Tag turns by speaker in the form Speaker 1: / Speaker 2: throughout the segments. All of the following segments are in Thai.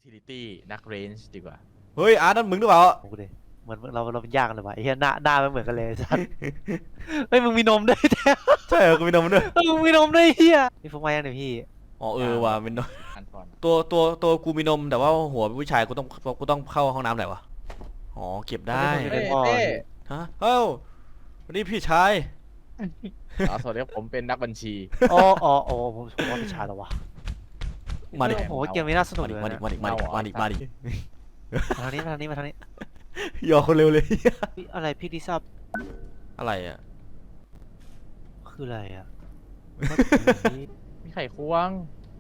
Speaker 1: utility นักเรนจ์ดีกว่า
Speaker 2: เฮ้ยอาร์ตนั่นมึงหรือเปล่า
Speaker 3: กูดิเหมือนเราเป็นยากกันเลยวะไอ้เหี้ยหน้าไม่เหมือนกันเลยสัสเฮ้ยมึงมีนมด้วยแท้
Speaker 2: ใช่เหรอกูมีนมด้วย
Speaker 3: มึงมีนมด้วยเหี้ยพี่ฟุกมายังเนี่ยพี่
Speaker 2: อ๋อว่ะมีนม
Speaker 1: อันก่อน
Speaker 2: ตัวกูมีนมแต่ว่าหัวเป็นผู้ชายกูต้องเข้าห้องน้ำไหนวะอ๋อเก็บได้
Speaker 1: เต้
Speaker 2: ฮะเอ้าวันนี้พี่ชาย
Speaker 1: สวัสดีครับผมเป็นนักบัญชี
Speaker 3: อ๋อผมว่าเป็นชายแล้ววะ
Speaker 2: มาดิ
Speaker 3: โอ้โหเกมนี้น่าสนุกเลย
Speaker 2: มาดิ
Speaker 3: นะ
Speaker 2: มาดิ
Speaker 3: มาทางนี้มาทางนี้
Speaker 2: ยอคนเร็วเลย
Speaker 3: พี่อะไรพี่ดิซับ
Speaker 2: อะไรอ่ะ
Speaker 3: คืออะไรอ่ะ
Speaker 1: มีไข่ควง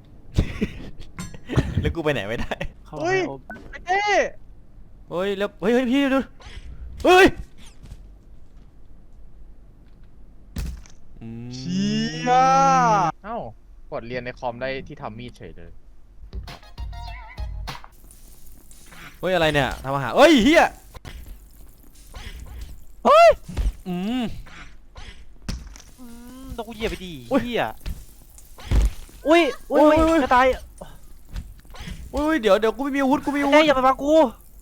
Speaker 2: แล้วกูไปไหนไม่ได้
Speaker 3: เข้า
Speaker 1: เฮ้ย
Speaker 3: มา
Speaker 1: ไอ้เต้
Speaker 2: เฮ้ยแล้วเฮ้ยพี่ดูเฮ้ย
Speaker 1: เชี่ยเอ้ากดเรียนในคอมได้ที่ทำมีดเฉยเลย
Speaker 2: เฮ้ยอะไรเนี่ยทำอาหารเฮ้ยเฮียเฮ้ย
Speaker 3: ต้องกูเหยียบไปดิ
Speaker 2: อุ๊ย
Speaker 3: เหี้ยอุ้ย
Speaker 2: อุ๊ย
Speaker 3: จะตาย
Speaker 2: เฮ้ยเดี๋ยวกูไม่มีอาวุธกูไม่มีอาวุ
Speaker 3: เอ้ย
Speaker 2: ธ
Speaker 3: อย่ามาบังกู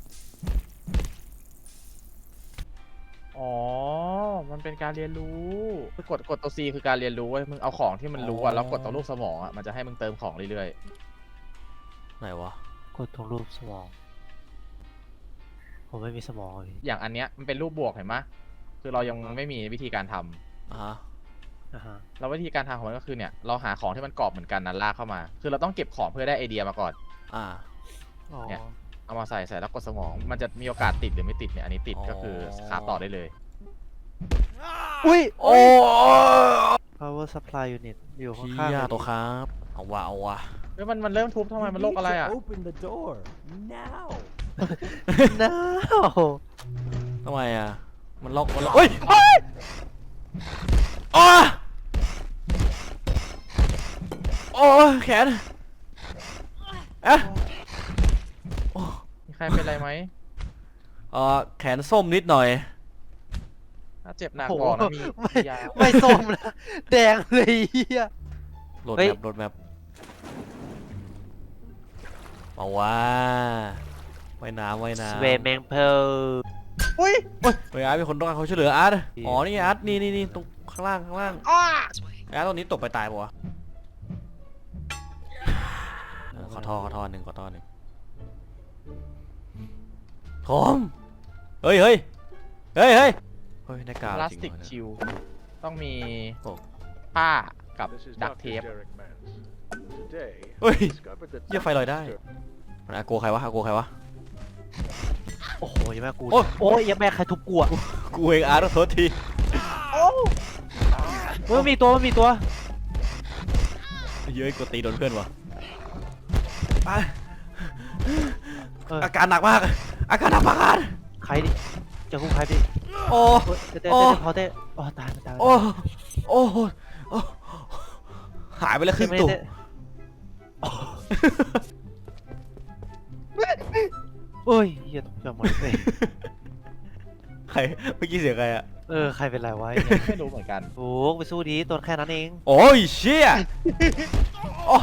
Speaker 1: อ๋อมันเป็นการเรียนรู้กดตัว C คือการเรียนรู้เว้ยมึงเอาของที่มันรู้อะแล้วกดตัวลูกสมองอะมันจะให้มึงเติมของเรื่อย
Speaker 2: ไหนวะ
Speaker 3: กดตรงรูปสมองผมไม่มีสมองเลย
Speaker 1: ๆอย่างอันเนี้ยมันเป็นรูปบวกเห็นไหมคือเรายังไม่มีวิธีการทำ
Speaker 2: อ่าฮะ
Speaker 1: แล้ววิธีการทำของมันก็คือเนี่ยเราหาของที่มันกรอบเหมือนกันนั้นลากเข้ามา คือเราต้องเก็บของเพื่อได้ไอเดียมาก่อน
Speaker 2: อ่า
Speaker 3: อ๋อ
Speaker 1: เนี่ย เอามาใส่แล้วกดสมอง มันจะมีโอกาสติดหรือไม่ติดเนี่ยอันนี้ติดก็คือขาต่อได้เลย
Speaker 3: อุ้ย
Speaker 2: โอ้
Speaker 3: power supply unit อยู่
Speaker 2: พี่
Speaker 3: ข้าง
Speaker 2: ยา
Speaker 3: ๆ
Speaker 2: ตัวครับเอาวะ
Speaker 1: เฮ้ยมันเริ่มทุบทำไมมันโรคอะไรอ่ะ
Speaker 4: Open the door now.
Speaker 3: น้า
Speaker 2: ทำไมอ่ะมันล็อกเฮ้ยอ้าโอ้แขนเอ๊ะ
Speaker 1: มีใครเป็นไรไหม
Speaker 2: แขนส้มนิดหน่อย
Speaker 1: ถ้าเจ็บหนักบอกนะมียา
Speaker 3: ไม่ส้มนะแดงเลยเฮีย
Speaker 2: โหลด
Speaker 3: เฮ้ย
Speaker 2: แมปเอาว่าว่ายน้ำ
Speaker 3: สเวมแมงเพล
Speaker 1: อุ้ย
Speaker 2: เฮ้ยอาร์ตมีคนต้องการเขาช่วยเหลืออาร์ตอ๋อนี่อาร์ตนี่ตรงข้างล่าง
Speaker 1: อ้า
Speaker 2: อาร์ตตรงนี้ตกไปตายปะวะขอท่อหนึ่งทอมเฮ้ยในกา
Speaker 1: พลาสติกชิลต้องมีผ้ากับ
Speaker 4: This is
Speaker 1: ดัก
Speaker 4: Dr.
Speaker 1: เทป
Speaker 4: Derek Mans. Today,
Speaker 2: เฮ้ย
Speaker 4: I discovered that
Speaker 2: เยี่ยไฟลอยได้มันอาโกใครวะ
Speaker 3: โอ้โหยังแม่กู
Speaker 2: โอ้
Speaker 3: โอ้ยยังแม่ใครทุบกูอ่ะ
Speaker 2: กูเองอาร์ตโทษที
Speaker 1: โอ้
Speaker 3: เฮ้ยมันมีตัว
Speaker 2: เย้ยกูตีโดนเพื่อนวะ
Speaker 3: เออ
Speaker 2: อาการหนักมากอาการ
Speaker 3: ใครดิจะพูดใครดิ
Speaker 2: โอ้
Speaker 3: เฮ้ยเต้
Speaker 2: โอ้
Speaker 3: พอเต้อ๋อตาย
Speaker 2: โอ้หายไปแล้วครึ่ง
Speaker 3: ไม่
Speaker 2: ตุ่
Speaker 3: ได้เอ้ยเฮียตกใจหมดเลย
Speaker 2: ใครเมื่อกี้เสียงใครอะ
Speaker 3: ใครเป็นไรวะ
Speaker 1: ไม่รู้เหมือนกัน
Speaker 3: โอ้ไปสู้ดีตัวแค่นั้นเอง
Speaker 2: โอ้ยเชี่ยโอ้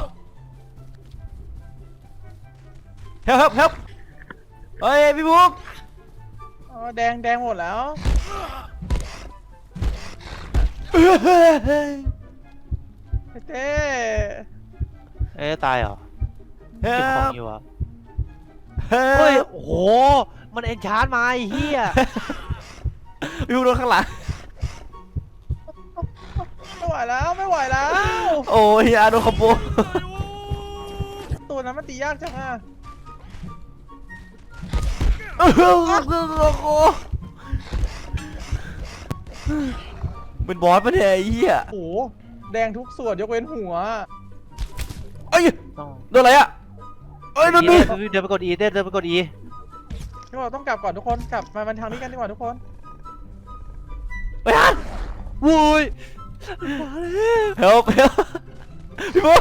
Speaker 2: เฮ้ยเฮ้ยพี่บุ๊ก
Speaker 1: อ๋อแดงหมดแล้วไอ้เต้
Speaker 3: ตายเหรอ
Speaker 2: เฮ้
Speaker 3: เก็บของ
Speaker 2: ย
Speaker 3: อยู่อ่ะ
Speaker 2: เฮ้
Speaker 3: เฮ้
Speaker 2: ย
Speaker 3: ยโอ้โหมันเอนชาร์จมาไอ้เฮีย
Speaker 2: พี่บุ๊กโดนข้างหลัง
Speaker 1: ไม่ไหวแล้ว
Speaker 2: โอ้ยอาร์ตโดนคอมโบ
Speaker 1: ตัวนั้นมันตียากจังอ่ะ
Speaker 2: เป็นบอสปะเนี่ยไอ้เหี้ย
Speaker 1: โอ้โหแดงทุกส่วนยกเว้นหัว
Speaker 2: เอ้ย
Speaker 3: ต้อง
Speaker 2: โดนอะไรอะเอ้ยโดนดิ
Speaker 3: เดินไปกด E เดินไปกด E
Speaker 1: นี่ว่าต้องกลับก่อนทุกคนกลับมาทางนี้กันดีกว่าทุกคน
Speaker 2: ไปฮัน
Speaker 3: วุ้ย
Speaker 2: เฮลพี่บุ๊ก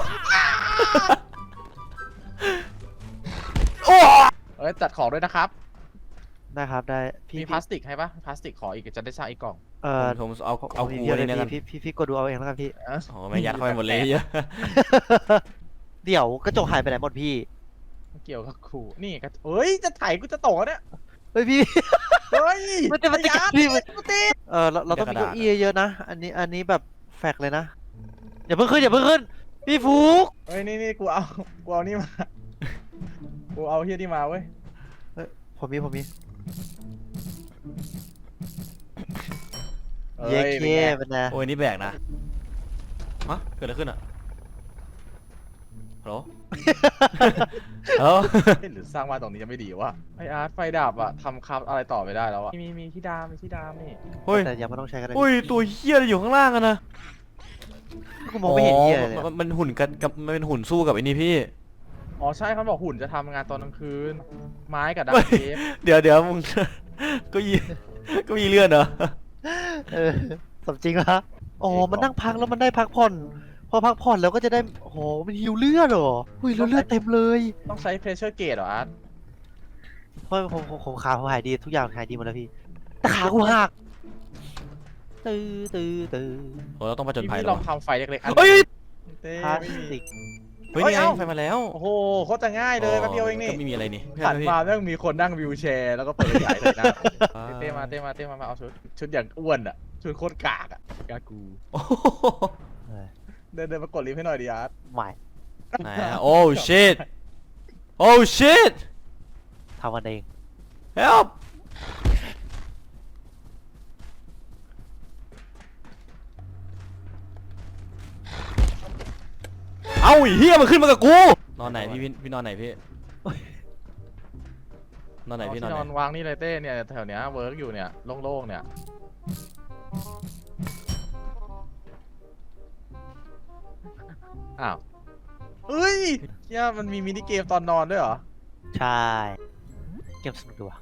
Speaker 2: โอ้
Speaker 1: เอ้ยจัดของด้วยนะครับ
Speaker 3: ได้ครับได้
Speaker 1: มีพลาสติกให้ปะพลาสติกขออีกจะได้สร้างอีกกล่อง
Speaker 2: ผมเอากู
Speaker 3: เดี๋ยว
Speaker 2: นี่นะครับ
Speaker 3: พี่กดดูเอาเองแล้วกันพี่
Speaker 2: โอ้ไม่ยัดเข้าไปหมดเลยเยอะ
Speaker 3: เดี๋ยวกระจกหายไปไหนหมดพี่
Speaker 1: เกี่ยวกับกูนี่ก็เฮ้ยจะไถกูจะตกแล้วเนี่ย
Speaker 3: เฮ้ยพี่
Speaker 1: เฮ้ย
Speaker 3: มันจะ
Speaker 1: ไอ้อาร์ต
Speaker 3: พี่มัน
Speaker 1: กูติด
Speaker 3: เราต้องมีเก้าอี้เยอะๆนะ อันนี้แบบแฟกเลยนะ อย่าเพิ่งขึ้นอย่าเพิ่งขึ้น พี่ฟุก
Speaker 1: เฮ้ยนี่กูเอานี่มากูเอาเฮียนี่มาเว้ย
Speaker 3: ผมมี
Speaker 1: อ้
Speaker 3: เย้
Speaker 1: ป็น
Speaker 3: เค้
Speaker 1: ไง
Speaker 3: เป็นไง
Speaker 2: โอ้ยนี่แบกนะฮะเกิดอะไรขึ้นอะฮัลโหล เอ้า
Speaker 1: เฮ้ยหรือสร้างบ้านตรงนี้จะไม่ดีวะไออาร์ตไฟดับอะทำครับอะไรต่อไม่ได้แล้วอะมีที่ดามนี่
Speaker 2: เฮ้ย
Speaker 3: แต่ยังไม่ต้องใช้กันเลย
Speaker 2: อุ้ยตัวเหี้ยอะไรอยู่ข้างล่างอะนะ
Speaker 3: กูมองไม่เห็นเหี้ยเลย
Speaker 2: มันหุ่นกันกับมันเป็นหุ่นสู้กับไอ้นี่พี่
Speaker 1: อ๋อใช่เขาบอกหุ่นจะทำงานตอนกลางคืน ไม้กับดักเทป
Speaker 2: เดี๋ยวมึง ก็ยีก็มีเลื่อนเหรอ
Speaker 3: เออสมจริงละอ๋อมันนั่งพักแล้วมันได้พักผ่อน พอพักผ่อนแล้วก็จะได้โอ้โหมันหิวเลือดเหรออุ้ยแล้วเลือดเต็มเลย
Speaker 1: ต้องใช้ pressure gauge เหรออาร์ต
Speaker 3: เพราะผมขาผมหายดีทุกอย่างหายดีหมดแล้วพี่แต่ขากูหักตื้อ
Speaker 2: โอ้เราต้องผจญภัย
Speaker 1: พี่
Speaker 2: แล้
Speaker 1: ล
Speaker 2: ว
Speaker 1: องทำไฟเล็กๆอัน
Speaker 2: เฮ้ย
Speaker 1: เต้
Speaker 3: พลาส
Speaker 1: ไม่มี
Speaker 3: ติก
Speaker 2: เฮ้ย
Speaker 1: เฮ้ย
Speaker 2: นี่ไง
Speaker 1: เอ้า
Speaker 2: ไฟมาแล้ว
Speaker 1: โอ้โหโคตรจะง่ายเลยแป๊บเดียวเองนี่
Speaker 2: ก็ไม่มีอะไรนี่
Speaker 1: ถัด
Speaker 2: พี่
Speaker 1: มาเรื่องมีคนนั่งวิวแชร์แล้วก็เปิดใหญ่เลยนะเต้มาเอาชุดอย่างอ้วนอะชุดโคตรกากอะกากู
Speaker 2: โอ้โห
Speaker 3: เออ
Speaker 1: เดินมากดลิฟต์ให้หน่อยดิอาร์ต
Speaker 3: ใหม่
Speaker 2: ไหนอะโอ้ shit โอ้ shit
Speaker 3: ทำกันเอง
Speaker 2: help เอ้าไอ้เฮียมันขึ้นมากับกู นอนไหนพี่นอนไหนพี่ นอนไหน
Speaker 1: เอา
Speaker 2: พี่
Speaker 1: ที่
Speaker 2: นอน
Speaker 1: น
Speaker 2: ไห
Speaker 1: อน
Speaker 2: น
Speaker 1: วางนี่เลยเต้เนี่ยแถวเนี้ยเวิร์กอยู่เนี่ยโล่งๆเนี่ยอ้าวเฮ้ยเนี่ยมันมีมินิเกมตอนนอนด้วยเหรอ
Speaker 3: ใช่เกมสนุกดีว่ะ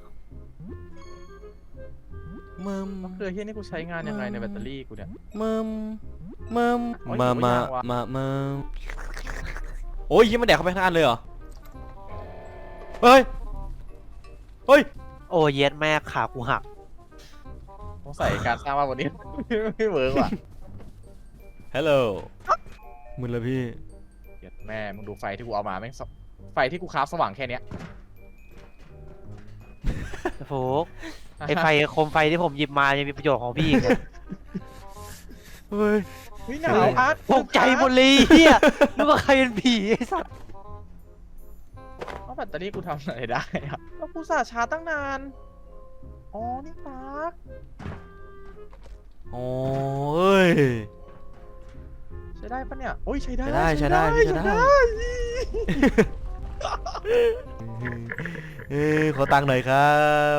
Speaker 2: มึม
Speaker 1: เคือเฮียนี่กูใช้งานยังไงในแบตเตอรี่กูเนี่ย
Speaker 2: มึม
Speaker 1: โอ้ย
Speaker 2: มา
Speaker 1: หิวยังวะ
Speaker 2: โอ้ยยิ้มมันแดกเข้าไปทั้งอันเลยเหรอ เฮ้ย เฮ้ย
Speaker 3: โอ้เย็ดแม่ขากูหัก
Speaker 1: ต้องใส่การสร้างบ้านวันนี้ ไม่เวิร์กว่ะ
Speaker 2: ฮัลโหลมึนแล้วพี่
Speaker 1: เหี้ยแม่มึงดูไฟที่กูเอามาแม่งไฟที่กูคราฟสว่างแค่เนี้ย
Speaker 3: โฟกไอไฟโคมไฟที่ผมหยิบมายังมีประโยชน์ของพี่อีกเนี่ย
Speaker 2: เฮ้ย
Speaker 1: เฮ้ยหนาวอาร์ต
Speaker 3: ตกใจหมดเลยเฮียนึกว่าใครเป็นผีไอ้สัส
Speaker 1: ว่าแบตเตอรี่กูทำอะไรได้อะแล้วกูสาชาร์จตั้งนานอ๋อนี่ปาร์ค
Speaker 2: โอ้เอ้ย
Speaker 1: ใช้ได้ปะเนี่ยโอ้ยใช้ได้
Speaker 2: ใช้ได้พี่ใช้ได้ เอ้ยขอตังค์หน่อยครับ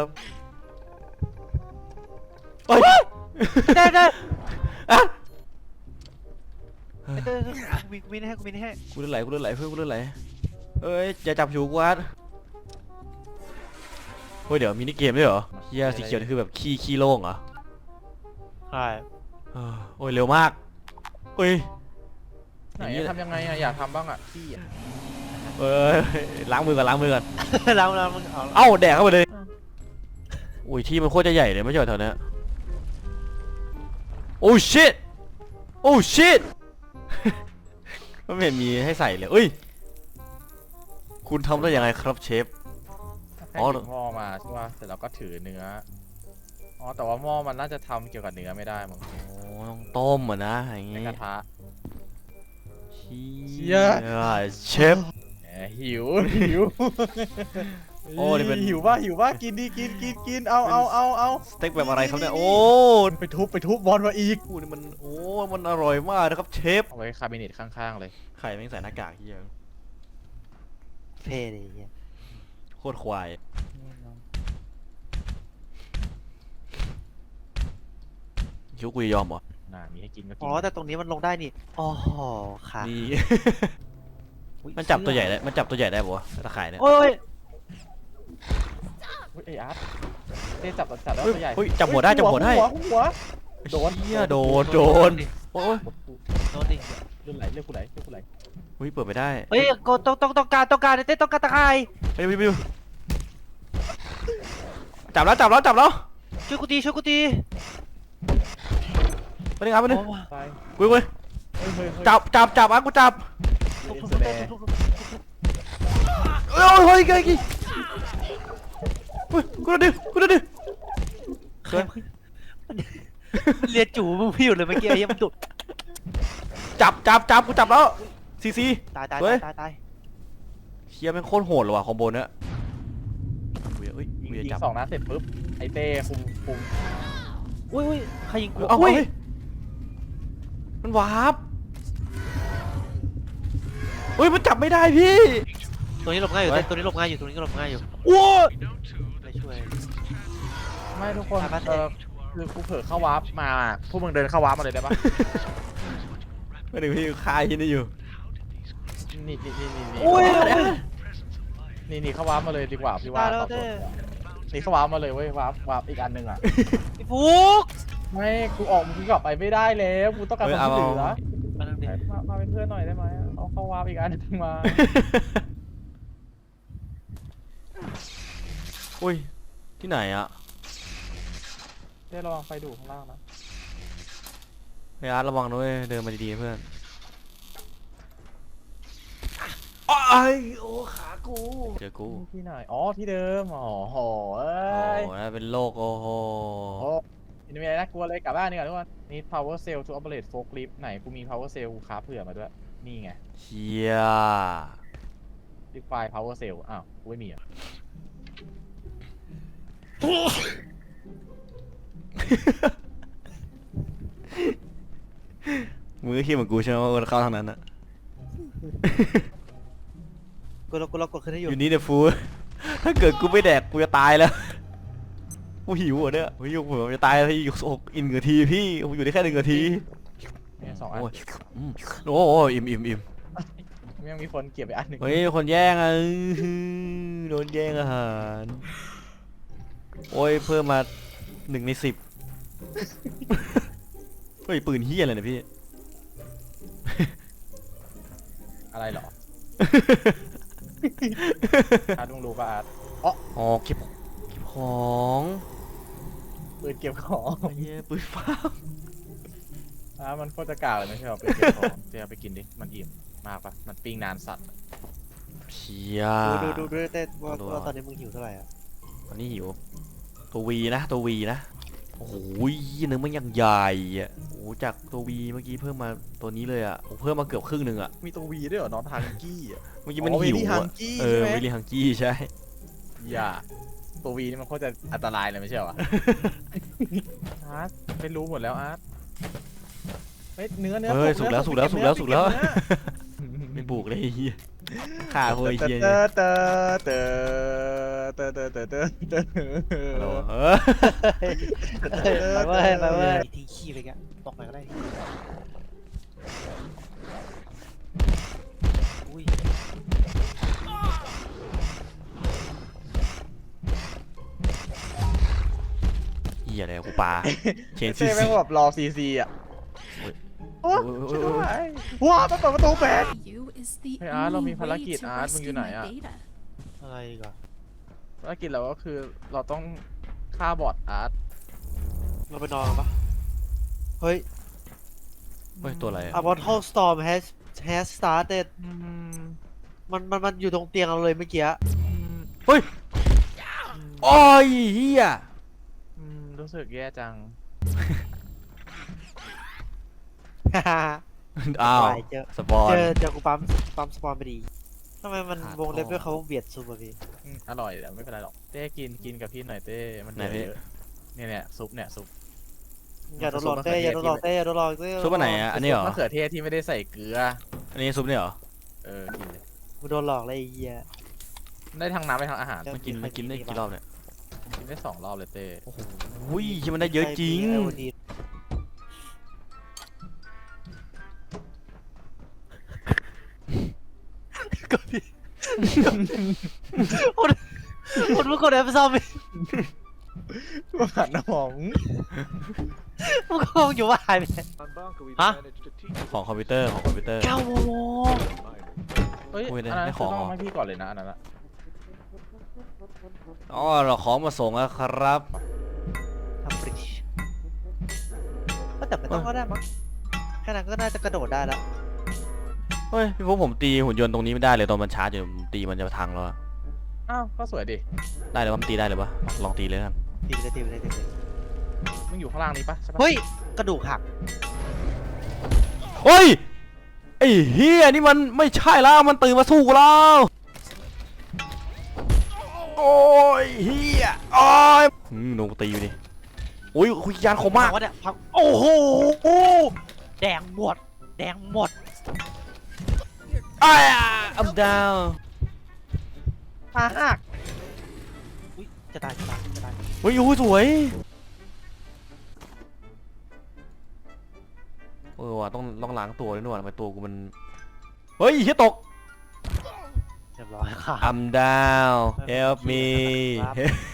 Speaker 2: โอ้ย
Speaker 3: ได้
Speaker 2: อ่ะ
Speaker 3: กูมีให้กูมีให้
Speaker 2: กูเลือดไหลเพื่อนกูเลือดไหลเอ้ยอย่าจับผิวกูอัดเฮ้ยเดี๋ยวมินิเกมด้วยเหรอเฮียสีเขียวนี่คือแบบขี้โล่งเหรอ
Speaker 3: ใช่
Speaker 2: โอ้ยเร็วมากเฮ้ย
Speaker 1: ไหนทำยังไงอะอยากทำบ้างอะพี่อะ
Speaker 2: เอ้ยล้างมือก่อน
Speaker 3: แล้วมึงเอา
Speaker 2: เอ้าแดกเข้าไปเลยอุ้ยที่มันโคตรจะใหญ่เลยไม่ใช่เหรอแถวเนี้ยโอ้ชิตโอ้ชิต มันไม่เห็นมีให้ใส่เลยเอ้ยคุณทำได้ยังไงครับเชฟ
Speaker 1: แค่
Speaker 2: อ๋อ
Speaker 1: หยิบหม้อมาใช่ป่ะเสร็จแล้วก็ถือเนื้ออ๋อแต่ว่าหม้อมันน่าจะทำเกี่ยวกับเนื้อไม่ได้มั้ง
Speaker 2: โอ้ต้องต้มอ่ะนะอย่าง
Speaker 1: ใน
Speaker 2: งี้
Speaker 1: กระทะ
Speaker 2: เชี่
Speaker 1: เชี่ย
Speaker 2: เชฟ
Speaker 1: แหมหิว
Speaker 2: โอ้นี่เป็น
Speaker 1: หิวป่ะกินดิกินเอา
Speaker 2: สเต็กแบบอะไรครับเนี่ยโอ้
Speaker 1: ไปทุบบอลมาอีก
Speaker 2: โหนี่มันโอ้มันอร่อยมากนะครับเชฟ
Speaker 1: เอาไว้คาบิเนตข้างๆเลย
Speaker 2: ไข่แม่งใส่หน้ากากเฮีย
Speaker 3: เท่เลยเฮีย
Speaker 2: โคตรควายคิดวากูจะยอมเหรอ
Speaker 1: น่ามีให้กินก็กิ
Speaker 3: อ๋อแต่ตรงนี้มันลงได้นี่อ๋อค่ะ
Speaker 2: นี่
Speaker 3: อุ๊ย
Speaker 2: มันจับตัวใหญ่ได้มันจับตัวใหญ่ได้ปะวะตะข่ายเนี่ย
Speaker 3: โอ้ย
Speaker 1: อุ๊ยไออาร์ตเต้จับแล้ว
Speaker 2: เฮ้ย
Speaker 1: ตัวใหญ่
Speaker 2: เฮ้ยจับหัวได้จับหัวได้
Speaker 1: หัวโดน
Speaker 2: เฮียโดนโอ้ย
Speaker 3: โดนดิ
Speaker 1: เรื่องไหลกูไหล
Speaker 2: เฮ้ยเปิดไม่ได้
Speaker 3: เฮ้ยก็ต้องการเต้ต้องการตะไคร้
Speaker 2: ไปดูจับแล้ว
Speaker 3: ช่วยกูตี
Speaker 2: ไปดึงเอาไปดึง
Speaker 1: ตาย
Speaker 2: กู
Speaker 1: เฮ้ย
Speaker 2: จับอ่ะกูจับ
Speaker 1: เอ็นแสดง
Speaker 2: เฮ้ยกี่เฮ้ยกูโดนดิเฮ้ย
Speaker 3: เรียนจู่มึงพี่อยู่เลยเมื่อกี้ไอ้เหี้ยมันดุ
Speaker 2: จับกูจับแล้วซี
Speaker 3: ตาย
Speaker 2: เฮ้ย
Speaker 3: ตาย
Speaker 2: เชียร์แม่งโคตรโหดเลยว่ะคอมโบเนี้ยเฮ้ย
Speaker 1: ยิง
Speaker 2: เวีย
Speaker 1: ยิง
Speaker 2: จับ
Speaker 1: 2 นัดเสร็จปุ๊บไอเต้คุม
Speaker 3: อุ้ยใครยิงกู
Speaker 2: เอา
Speaker 3: อุ้ย
Speaker 2: เฮ้ยมันวาร์ปเฮ้ยมันจับไม่ได้พี่
Speaker 3: ตัวนี้หลบง่ายอยู่
Speaker 2: เฮ้ย
Speaker 3: ตัวนี้หลบง่ายอยู่ตัวนี้ก็หลบง่ายอยู่
Speaker 2: ว้า
Speaker 3: ไม่ช่วย
Speaker 1: ไม่ทุกคน
Speaker 3: ตายปะเต้
Speaker 1: คือกูเผลอเข้าวาร์ปมาพวกมึงเดินเข้าวาร์ปมาเลยได้ปะ
Speaker 2: ไม่ถึงพี่คายที่นี่อยู่
Speaker 1: นี่
Speaker 3: อุ้ย
Speaker 1: นี่เข้าวาร์ปมาเลยดีกว่าพี่ว่า
Speaker 3: ตายแล้ว
Speaker 1: ตอบโจ
Speaker 3: เต้
Speaker 1: ทย์นี่เข้าวาร์ปมาเลยเว้ยวาร์ปอีกอันหนึงอ่ะ
Speaker 3: ไอ้ฟุก
Speaker 1: ไม่กูออกมึงกลับไปไม่ได้แล้วกูต้องการความช่วยเหลือ
Speaker 3: มานั่งดิ
Speaker 1: มาเป็นเพื่อนหน่อยได้ไหมเอาเข้าวาร์ปอีกอันหนึงมา
Speaker 2: อุ้ยที่ไหนอะ
Speaker 1: เต้ระวังไฟดูดข้างล่างนะ
Speaker 2: ไอ้อาร์ตระวังด้วยเดินมาดีๆเพื่อนอ้ายโอ้ขากูเจอกู
Speaker 1: ที่ไหนอ๋อที่เดิมอ๋อโหเอ้
Speaker 2: โอ้
Speaker 1: ย
Speaker 2: ยเป็นโรคโอ้โห
Speaker 1: โอ้ยไม่มีอะไรน่ากลัวเลยกลับบ้านดีกว่าทุกคนนี่ power cell to operate forklift ไหนกูมี power cell กูคราฟเผื่อมาด้วยนี่ไง
Speaker 2: เชีย
Speaker 1: ดิไฟ power cell อ้าวกูไม่มีอ่ะ
Speaker 2: มือคิดเหมือนกูใช่ไหมว่ามันเข้าทางนั้นอะ
Speaker 3: กูเรากดขึ้นให้อยู่
Speaker 2: อยู่นี่เดฟูถ้าเกิดกูไม่แดกกูจะตายแล้วกูหิวอ่ะเนี่ยกูหิวผมจะตายแล้วที่อีก1 นาทีพี่ผมอยู่ได้แค่1 นาที
Speaker 1: เนี่ย2 อัน
Speaker 2: โอ้ยโอ้โหอิ่ม
Speaker 1: ยังมีคนเก็บไปอันหนึ่ง
Speaker 2: เฮ้ยคนแย่งอ่ะโดนแย่งอาหารโอ้ยเพิ่มมา1 ใน 10เฮ้ยปืนเฮียอะไรเนี่ยพี่
Speaker 1: อะไรเหรอ อาร์ตมึงรู้ป่ะอาร์ต
Speaker 2: อ๋อเก็บของ
Speaker 1: ปืนเก็บของ
Speaker 2: ไอ้เหี้ยปืนฟ้า
Speaker 1: อาร์ตมันโคตรจะกากเลยไม่ใช่หรอปืนเก็บของเจ๊เอาไปกินดิมันอิ่มมากปะมันปิ้งนานสัตว์
Speaker 2: เชีย
Speaker 3: ดูเต้ว่า
Speaker 2: ดู
Speaker 3: ว่าตอนนี้มึงหิวเท่าไหร่อ่ะ
Speaker 2: ตอนนี้หิวตัววีนะโอ้โหเนื้อมันยังใหญ่อ่ะโอ้โหจากตัววีเมื่อกี้เพิ่มมาตัวนี้เลยอ่ะโอ้เพิ่มมาเกือบครึ่งหนึ่งอ่ะ
Speaker 1: มีตัววีด้วยเหรอน้องฮังกี้อ่ะ
Speaker 2: เมื่อกี้มันหิว
Speaker 1: ฮั
Speaker 2: อ่ะ
Speaker 1: งกี้
Speaker 2: เอ
Speaker 1: ใช่
Speaker 2: อ
Speaker 1: ไหม
Speaker 2: วิลลี่ฮังกี้ใช่
Speaker 1: อย่าตัววีนี่มันโคตรจะอันตรายเลยไม่ใช่เหรอ อาร์ตไม่รู้หมดแล้วอาร์ตเฮ้ยเนื้อ
Speaker 2: เฮ้ย
Speaker 1: ป
Speaker 2: สุกแล้ว
Speaker 1: เนื้อ
Speaker 2: ไม่บุกเลยไอ้เฮียฆ่าพวกไอ้เฮีย
Speaker 1: เต
Speaker 2: เนี่ย
Speaker 1: อเตอเตอเตอเตอเตอเตอเตอ
Speaker 2: ฮัลโหล
Speaker 3: ไปเว้ยทิ้งขี้ไปแกตกไหนก็ได้อุ้ย
Speaker 2: เฮียอะไรกูปลาเชนซี
Speaker 1: เต้
Speaker 2: ซี
Speaker 1: แม่งแบบรอซีซีอ่ะ
Speaker 2: โอ้
Speaker 1: โอ้
Speaker 2: ย
Speaker 1: ช่วยด้วยว้ามันเปิดประตูแบน
Speaker 5: You is the
Speaker 1: เฮ้ยอาร์ตเรามี
Speaker 5: only
Speaker 1: ภาร
Speaker 5: way
Speaker 1: กิจ
Speaker 5: to
Speaker 1: อาร์ตมึงอยู่
Speaker 5: rescue
Speaker 1: ไหน
Speaker 5: my
Speaker 1: อ่ะ
Speaker 5: beta.
Speaker 3: อะไรอีก่อน
Speaker 1: ภารกิจเราก็คือเราต้องฆ่าบอทอาร์ต
Speaker 3: เราไปนอนกันปะเฮ้ย
Speaker 2: เฮ้ยตัวอะไรอะ
Speaker 3: A bottle storm has started
Speaker 1: อืม
Speaker 3: มันอยู่ตรงเตียงเราเลยเมื่อกี้
Speaker 2: เฮ้ยโอ้ยเฮีย
Speaker 1: รู้สึกแย่จัง
Speaker 2: อ้าว
Speaker 3: เจอ
Speaker 2: สปอน
Speaker 3: เจอกูปั๊มสปอนไปดีทำไมมัน
Speaker 2: ขาด
Speaker 3: วงเล็บ
Speaker 2: พ่อ
Speaker 3: ด้วยเขาเบียดซูมอะพี่
Speaker 1: อร่อยแต่ไม่เป็นไรหรอกเต้กินกับพี่หน่อยเต้มันเหลือ
Speaker 2: ไหนพี่
Speaker 1: เยอะเนี่ยซุปเนี่ยซุป
Speaker 3: อย่าโดนหลอกเต้อย่าโดนหลอกเต้อย่าโดนหลอกเต้
Speaker 2: ซุปอันไหนอะอันนี้เหรอ
Speaker 1: มะเขือเทศที่ไม่ได้ใส่เกลือ
Speaker 2: อันนี้ซุปเนี่ยเหรอ
Speaker 1: กินเลย
Speaker 3: กูโดนหลอกเลยไอ้เหี้ย
Speaker 1: ได้ทั้งน้ำได้ทั้งอาหาร
Speaker 2: มันกินได้กี่รอบเนี่ย
Speaker 1: กินได้2 รอบเลยเต้
Speaker 2: โอ้โหที่มันได้เยอะจริง
Speaker 3: ไอ้วันนี้ก็พี่คนเมื่อก่อนแอปซ้ำ
Speaker 1: มาผ่านน้อง
Speaker 3: มึงก็อยู่ว่าหายไปไหน
Speaker 4: On Bonka, we've
Speaker 3: Huh?
Speaker 4: managed to teach
Speaker 2: ของคอมพิวเตอร์
Speaker 3: 9 โมง
Speaker 1: เฮ้ย
Speaker 2: โอ้ยได้
Speaker 1: อันนั้น
Speaker 2: ได้
Speaker 1: คือ
Speaker 2: ของ
Speaker 1: ต้อง
Speaker 2: เหรอ
Speaker 1: ให้พี่ก่อนเลยนะอันนั้นอะ
Speaker 2: อ๋อเราของมาส่งแล้วครับ
Speaker 3: ทำบริดจ์ก็แต่ไม่ต้องก็ได้มั้งแค่นั้นก็น่าจะกระโดดได้แล้ว
Speaker 2: เฮ้ยพี่พวกผมตีหุ่นยนต์ตรงนี้ไม่ได้เลยตอนมันชาร์จอยู่ผมตีมันจะพังแล้วอะ
Speaker 1: อ้าวก็สวยดิ
Speaker 2: ได้เลยวะมันตีได้เลยวะลองตีเลยกัน
Speaker 3: ตีไปเลยตีไปเลยตีไปเลย
Speaker 1: มึงอยู่ข้างล่างนี้ปะใช่ปะ
Speaker 3: เฮ้ยกระดูกหัก
Speaker 2: เฮ้ยไอ้เฮียนี่มันไม่ใช่แล้วมันตื่นมาสู้กูแล้วโอ้ยเฮียโอ้ยโดนกูตีอยู่ดิโอ้ยคุยยานคมมาก
Speaker 3: พังวะเนี่ยพังโอ้โหแดงหมดแดงหมด
Speaker 2: I'm down
Speaker 3: ขาหักอุ้ยจะตายจะตายจะตาย
Speaker 2: เฮ้ยโอ้ยสวยว่ะต้องล้างตัวด้วยนี่หว่าทำไมตัวกูมันเฮ้ยเฮียตก
Speaker 3: เรียบร้อยค่ะ
Speaker 2: I'm down help me
Speaker 3: ครับ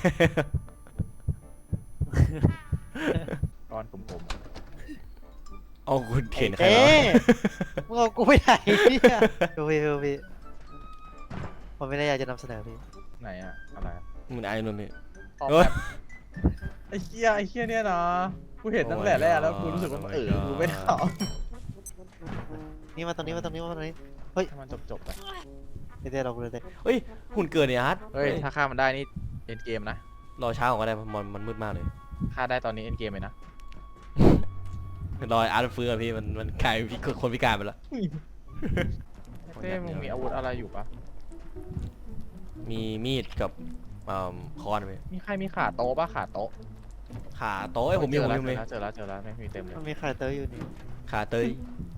Speaker 1: ก้อนกลม
Speaker 2: เอาคุณเข็นใคร
Speaker 3: เอ๊
Speaker 2: เหรอะ
Speaker 3: มึงเอากูไปไหนเนี่ยดูพี่ผมไม่ได้อยากจะนำเสนอพี่
Speaker 1: ๆไหนอะอะไรอะ
Speaker 2: มึงไอ้นุ่นนี่
Speaker 1: ออก
Speaker 2: เฮ้ย
Speaker 1: แบบไอ้เหี้ยเนี่ยนะกูเห็นตั้งแต่แรกแล้วกูรู้สึกว่ามันกูไม่ได้เอา
Speaker 3: นี่มาตรงนี้มาตรงนี้มาตรงนี้
Speaker 1: ให้มันจบไป
Speaker 3: เดี๋ยวเราเลย
Speaker 2: เฮ้ยหุ่นเกิดเนี่ยอาร์ต
Speaker 1: เฮ้ยถ้าฆ่ามันได้นี่เอ็นเกมนะ
Speaker 2: รอเช้าก่อนก็ได้มันมืดมากเลย
Speaker 1: ฆ่าได้ตอนนี้เอ็นเกมเลยนะ
Speaker 2: รออาร์ตฟื้นอะพี่มันกลายเป็นคนพิการไปแล้ว
Speaker 1: เต้มึงมีอาวุธอะไรอยู่ปะ
Speaker 2: มีมีดกับค้อนไป
Speaker 1: มีใครมีขาโต๊ะปะขาโต๊ะ
Speaker 2: ขาโต้ผมมี
Speaker 1: เจ
Speaker 2: ผ
Speaker 1: อ
Speaker 2: ม
Speaker 1: แล้ว
Speaker 2: มี
Speaker 1: เจอแล้วไม่มีเต็มเลย
Speaker 3: มันมีใครเตอร์อยู่นี่
Speaker 2: ขาเตย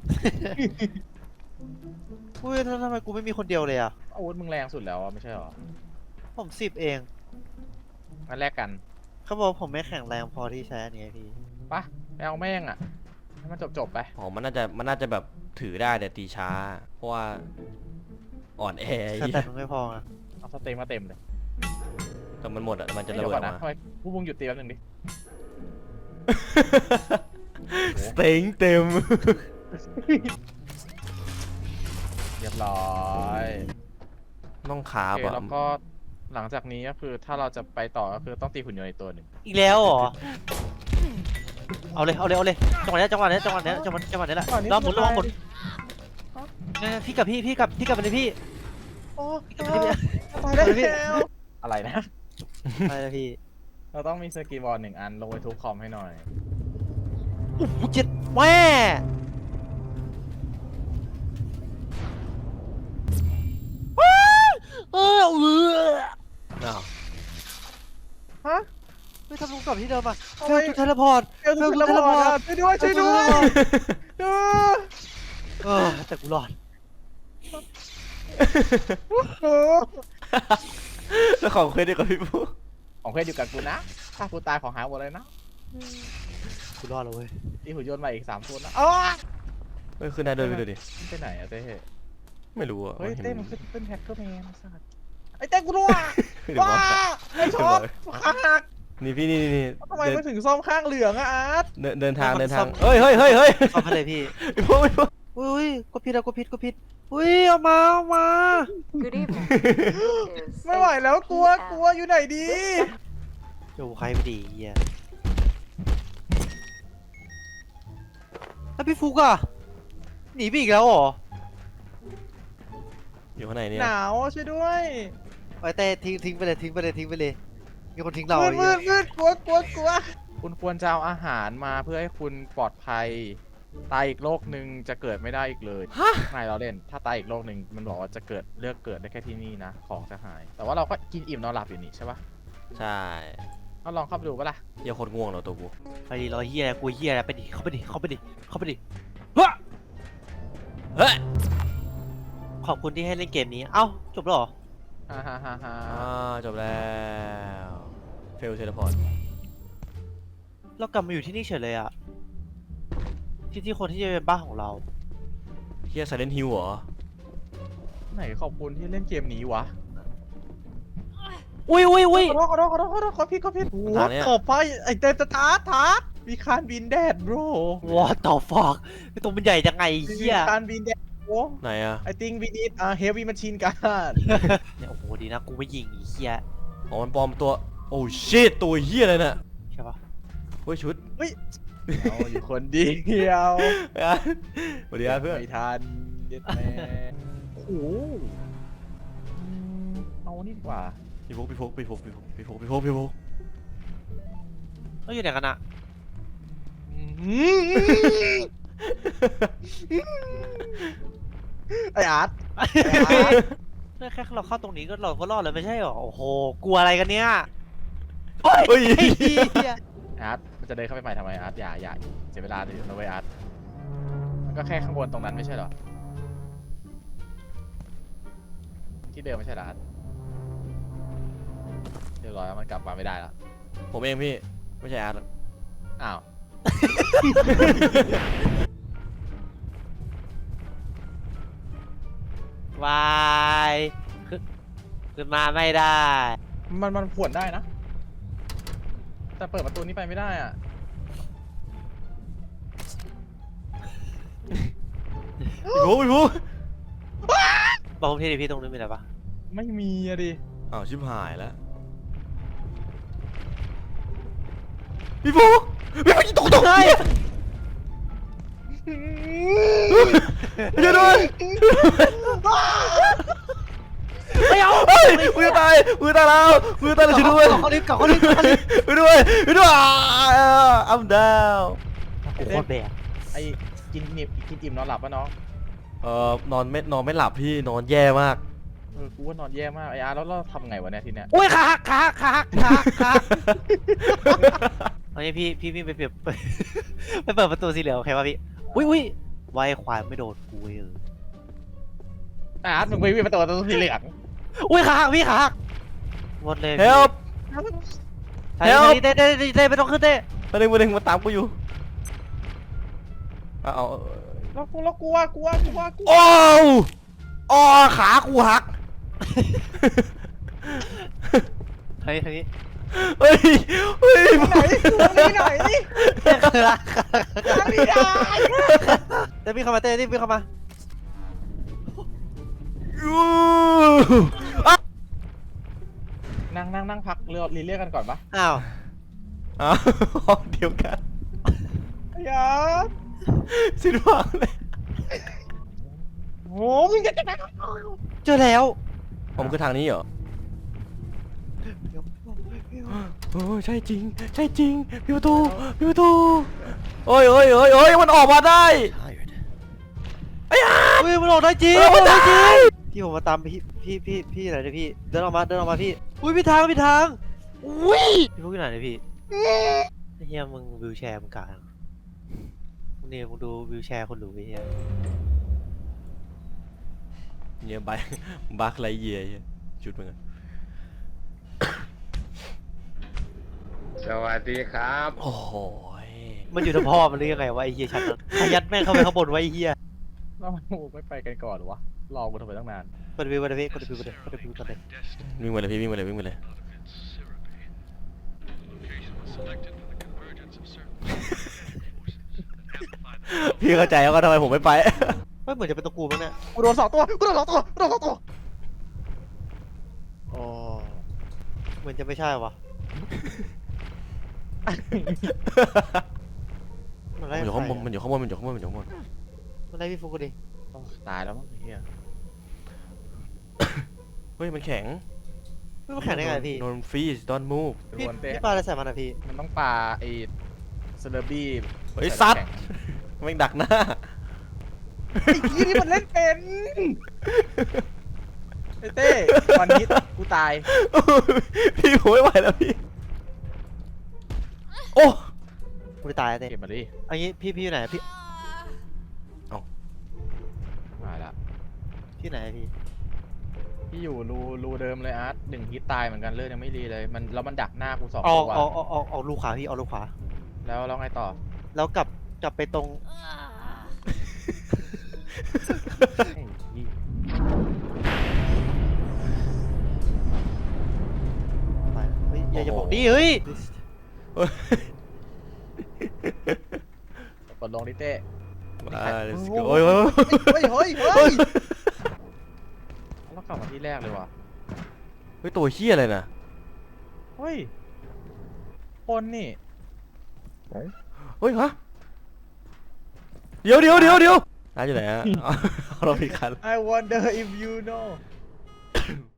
Speaker 3: อุ้ยทำไมกูไม่มีคนเดียวเลยอ่ะ
Speaker 1: อาวุธมึงแรงสุดแล้วอะไม่ใช่หรอ
Speaker 3: ผม10เอง
Speaker 1: งั้นแลกกัน
Speaker 3: เขาบอกผมไม่แข็งแรงพอที่ใช้อันนี้พี่
Speaker 1: ปะไปเอาแม่งอะให้มันจบไป
Speaker 2: อ๋อมันน่าจะแบบถือได้แต่ตีช้า เพราะว่าอ่อนแอ
Speaker 3: แต่แต่มันไม่พออ่ะ
Speaker 1: เอาสเต็มมาเต็มเลย
Speaker 2: แต่มันหมดอ่ะมันจะ
Speaker 1: เดี๋
Speaker 2: ระ
Speaker 1: ยว
Speaker 2: เบิด
Speaker 1: ก่อน
Speaker 2: ออก
Speaker 1: นะ
Speaker 2: มา
Speaker 1: ทำไมพวกมึงหยุดตีแป๊บนึงดิ
Speaker 2: สเต็งเต็ม
Speaker 1: เรียบร้อย
Speaker 2: ต้องขา
Speaker 1: โอเค
Speaker 2: บอ่ะ
Speaker 1: แล้วก็หลังจากนี้ก็คือถ้าเราจะไปต่อก็คือต้องตีหุ่นยนต์อีกตัวหนึ่ง
Speaker 3: อีกแล้วเหรอเอาเลยจังหวะนี้จังหวะนี้แหละรอบหมุนเนี่ยพี่กับไปเลยพี่
Speaker 1: โอ้
Speaker 3: พี่กับไปเลย
Speaker 1: ตายแล้วอะไรนะ
Speaker 3: ไปเลยพี่
Speaker 1: เราต้องมีสกีบอร์ด1 อันลงไปทุบคอมให้หน่อย
Speaker 3: โอ้โหเจ็ดแม่เออ
Speaker 2: อ้าว
Speaker 1: ฮะ
Speaker 3: ไม่ทำลงกลับที่เดิมอ่ะ
Speaker 1: ทำ
Speaker 3: เฟ
Speaker 1: ไม
Speaker 3: ลจุดเทเลพอร์ต
Speaker 1: เอลทูเทเลพอร์ตช่วยด้วย
Speaker 3: แต่กูรอด
Speaker 2: แล้วของเคยได้กับพี่ปุ๊
Speaker 1: ของเพื่อนอยู่กับกูนะถ้ากูตายของหายหมดเลยนะ
Speaker 3: กูรอดแล้วเว้ย
Speaker 1: ตีหุ่นยนต์มาอีก3 ตัวนะอ๋อ
Speaker 2: เฮ้ยขึ้นได้ด้วยไปดูดิ
Speaker 1: ไปไหนอะเต้
Speaker 2: ไม่รู้อ่ะ
Speaker 1: เฮ้ย
Speaker 2: ห็
Speaker 1: เต้มันขึ้นแฮกเกอร์แมนสัตว์ไอ้เต้กูรู้อ่ะ
Speaker 2: เดี๋ยว
Speaker 1: ว้า
Speaker 2: บอก
Speaker 1: ไอ้ช็อตขาหัก
Speaker 2: นี่พี่นี่
Speaker 1: ทำไมมันถึงซ่อมข้างเหลืองอะอาร์ต
Speaker 2: เดินทางเฮ้ย
Speaker 3: ซ่อมให้เลยพี่
Speaker 2: พี่ปุ๊พี่ปุ๊
Speaker 3: อุ้ยกดผิดอุ้ยเอามา
Speaker 5: Good evening.
Speaker 1: ไม่ไหวแล้วกลัวอยู่ไหนดี
Speaker 3: อยู่ใครไม่ดีเฮียแล้วพี่ฟุกอะหนีไปอีกแล้วเหรอ
Speaker 2: อยู่ข้างในเนี่ย
Speaker 1: หนาวช่วยด้วย
Speaker 3: ไปแต่ทิ้งไปเลยมีคนทิ้งเรา
Speaker 1: มืดกลัวคุณควรจะเอาอาหารมาเพื่อให้คุณปลอดภัยตายอีกโลกหนึ่งจะเกิดไม่ได้อีกเลยไม่เราเล่นถ้าตายอีกโลกหนึ่งมันบอกว่าจะเลือกเกิดได้แค่ที่นี่นะของจะหาย แต่ว่าเราก็กินอิ่มนอนหลับอยู่นี่ใช่ปะ
Speaker 2: ใช่
Speaker 1: เราลองเข้าไปดูปะล่ะ
Speaker 2: เหี้ยโคตรง่วงเลยตัวกู
Speaker 3: ไปดิรอเฮียกูเฮียไปดิเข้าไปดิ
Speaker 2: เฮ้ย
Speaker 3: ขอบคุณที่ให้เล่นเกมนี้เอ้าจบแล้วเหรอ
Speaker 1: ฮ่า
Speaker 2: จบแล้วเฟลเทเลพอร์ต
Speaker 3: เรากลับมาอยู่ที่นี่เฉยเลยอะที่คนที่จะเป็นบ้านของเรา
Speaker 2: เฮียไซเลนฮิวเหรอ
Speaker 1: ไหนขอบคุณที่เล่นเกมนี้วะ
Speaker 3: อุ้ย
Speaker 1: ขอโทษขอผิดว่าขอบไปไอเตตทาร์มีคานบินแดด bro
Speaker 3: What the fuck ไอตัวมันใหญ่จังไงเฮีย
Speaker 1: คานบินแดดโอ้
Speaker 2: ไหนอะ
Speaker 1: I think we need a heavy machine gun
Speaker 3: เนี่ยโอ้โหดีนะกูไม่ยิงไอ้เฮีย
Speaker 2: อ๋อมันปลอมตัวโอ้ชิตตัวเฮียเลยน่ะ
Speaker 3: ใช่ปะ
Speaker 2: เฮ้ยชุด
Speaker 1: เอาอยู่คนเดียว
Speaker 2: สวัสดีครับเพื่อน
Speaker 1: ไม่ทันเย็ดแม่โอ้โหเอานี่ดีกว่า
Speaker 2: พี่ฟุก
Speaker 3: เขาอยู่ไหนกันอะ
Speaker 1: ไออาร์ต
Speaker 3: แค่เราเข้าตรงนี้ก็เราก็รอดแล้วไม่ใช่หรอโอ้โหกลัวอะไรกันเนี่ย
Speaker 2: เฮ้ย
Speaker 3: ไอ้เหี้ย
Speaker 1: อาร์ตมันจะเดินเข้าไปใหม่ทำไมอาร์ตอย่าเสียเวลาเลยนะเว้ยอาร์ตมันก็แค่ข้างบนตรงนั้นไม่ใช่เหรอที่เดิมไม่ใช่เหรออาร์ตเรียบร้อยแล้วมันกลับมาไม่ได้แล้ว
Speaker 2: ผมเองพี่ไม่ใช่อาร์ต
Speaker 1: อ้าว
Speaker 3: วายขึ้นมาไม่ได้
Speaker 1: มันผวนได้นะ แต่เปิดประตูนี้ไปไม่ได้อ่ะ
Speaker 2: พี่ฟุก
Speaker 3: บอกผมทีดิพี่ตรงนู้นมีอะไรปะ
Speaker 1: ไม่มีอะดิ
Speaker 2: อ้าวชิบหายแล้วพี่ฟุกตกใจช่วยด้วย
Speaker 3: ไม่เอา
Speaker 2: เฮ้ยมือตายแล้วช่วยด้วย
Speaker 3: เขาลิฟต์เขาลิฟต์
Speaker 2: ช่วยด้วยI'm down
Speaker 3: โอ้โหแบก
Speaker 1: ไอ้กินอิ่มนอนหลับปะน้อง
Speaker 2: นอนไม่หลับพี่นอนแย่มาก
Speaker 1: กูว่านอนแย่มากไอ้อาร์ตแล้วเราทำไงวะเนี่ยทีเนี้ย
Speaker 3: โอ้ยขาหักเอางี้พี่ไปเปิดไปเปิดประตูสีเหลืองโอเคป่ะพี่อุ้ยไวควายไม่โดนกูเลย
Speaker 1: อาร์ตมึงไปวิ่งประตูสีเหลือง
Speaker 3: อุ้ยขาหักพี่ขาหักหมดเลย
Speaker 2: help
Speaker 3: เต้ไม่ต้องขึ้นเต้
Speaker 2: มาดึงมาตามกูอยู่เอา
Speaker 1: เรากลัว
Speaker 2: โอ้ขากูหัก
Speaker 3: เฮ้ย
Speaker 2: เฮ้ย
Speaker 1: ไหนเต้พี่เข้ามา
Speaker 3: เต้พี่เข้ามา
Speaker 1: นั่งพักเรียกกันก่อนปะ
Speaker 3: อ้าว
Speaker 2: ห้องเดียวกัน
Speaker 1: ไอ้อาร์ต
Speaker 2: สิ้นหวังเลย
Speaker 1: โหมึงจะ
Speaker 3: เจอแล้ว
Speaker 2: ผมคือทางนี้เหรอโอ้ใช่จริงพี่ประตูโอ้ยมันออกมาได้
Speaker 3: อุ้ยมันออกได้จริง
Speaker 2: มันได้จริง
Speaker 3: พี่ผมมาตามพี่ไหนเนี่ยพี่เดินออกมาพี่อุ้ยพี่ทางอุ้ยพี่พวกอยู่ไหนเนี่ยพี่ไอ้เฮียมึงวิวแชร์มึงกลางมึงเนี่ยมึงดูวิวแชร์คนหรูไอ้เฮีย
Speaker 2: เนี่ยบักไรเยียจุดมึงอะ
Speaker 6: สวัสดีครับ
Speaker 2: โอ้โห
Speaker 3: มันอยู่ทั้งพ่อมันหรือยังไงวะไอ้เฮียชั้นนั้นขยัดแม่งเข้าไปข้างบนไว้ไอ้เฮีย
Speaker 1: เราไม่ไปกันก่อนหรอวะรอกูทำไมตั้งนาน
Speaker 3: กดวิวก่อนเลย
Speaker 2: วิ่งมาเลยพี่วิ่งมาเลยพี่เข้าใจแล้วก็ทำไมผมไม่ไป
Speaker 3: ไม่เหมือนจะเป็นตัวกูมั้งเนี่ย
Speaker 1: กูโดน2 ตัวโอ้
Speaker 3: เหมือนจะไม่ใช่วะมันไล่
Speaker 2: มันอยู่ข้างบน
Speaker 3: ใครอะ
Speaker 2: มันอยู่ข้างบน
Speaker 3: มันไล่พี่ฟุกกูดิ
Speaker 1: ตายแล้วมั้งไอ้เหี้ย
Speaker 2: เฮ้ยมันแข็ง
Speaker 3: ไม่มาแข่งได้ไงพี่
Speaker 2: โดนฟรีส don't move
Speaker 3: พี่
Speaker 1: โดนเตะ
Speaker 3: พี่ปาอะไรใส่มันอะพี่
Speaker 1: มันต้องปาไอ้เซเลบี้
Speaker 2: เฮ้ยซัดแม่งดักหน้า
Speaker 1: ไอ้ที่นี่มันเล่นเป็นไอ้เต้วันนี้กูตาย
Speaker 2: พี่ผมไม่ไหวแล้วพี่ โอ้
Speaker 3: กูจะตายอะเต้
Speaker 1: เก็บมาดิ
Speaker 3: อันนี้พี่อยู่ไหนพี่
Speaker 1: มาละ
Speaker 3: พี่ไหนพี่
Speaker 1: พี่อยู่รูเดิมเลยอาร์ต1 ฮิตตายเหมือนกันเลือดยังไม่รีเลยมันแล้วมันดักหน้ากู2
Speaker 3: ออก
Speaker 1: ตัว
Speaker 3: ออกลูกขวาพี่ออกลูกขวา
Speaker 1: แล้วไงต่อ
Speaker 3: แล้วกลับไปตรง
Speaker 1: ไอ้เหี้ย
Speaker 3: ไปเฮ้ยอย่าบอกดิเฮ้ย
Speaker 1: กดลงดิเต้
Speaker 2: มา let's go โอ้ย
Speaker 1: เฮ้ยเรากลับมาที่แรกเลยว่ะ
Speaker 2: เฮ้ยตัวเฮี้ยอะไรนะ
Speaker 1: เฮ้ยคนนี่
Speaker 2: เฮ้ยฮะเดี๋ยวร้านอยู่ไหนฮะ เอาเราผิดคัน
Speaker 1: I wonder if you know